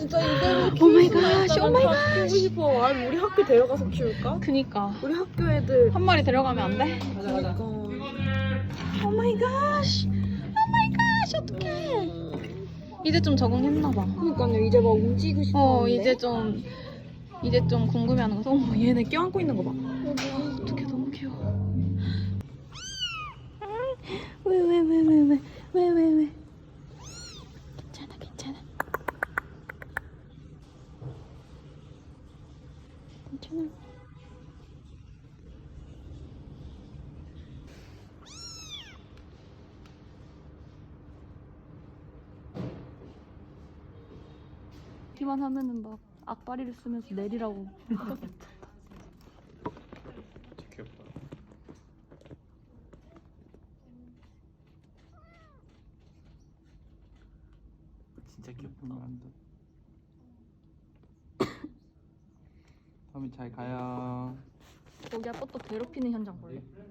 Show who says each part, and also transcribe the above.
Speaker 1: 진짜 이대로
Speaker 2: 오 마이
Speaker 1: 키울
Speaker 2: 갓,
Speaker 1: 수만
Speaker 2: 오 마이
Speaker 1: 있다면 다 키우고 싶어. 아니 우리 학교 데려가서 키울까?
Speaker 2: 그니까
Speaker 1: 우리 학교 애들
Speaker 2: 한 마리 데려가면 안 돼?
Speaker 1: 그러니까
Speaker 2: 오 마이 갓, 오 마이 갓, 어떡해. 이제 좀 적응했나 봐.
Speaker 1: 그러니까요. 이제 막 움직이고 싶어.
Speaker 2: 이제 좀 궁금해하는 거서. 어머, 얘네 껴안고 있는 거 봐. 어떡해, 너무 귀여워. 왜? 괜찮아. 기만 하면은 막 악바리를 쓰면서 내리라고.
Speaker 3: 진짜 귀엽다. 진짜 귀엽다. 다음에 잘 가요.
Speaker 2: 거기 아빠 또 괴롭히는 현장 볼래?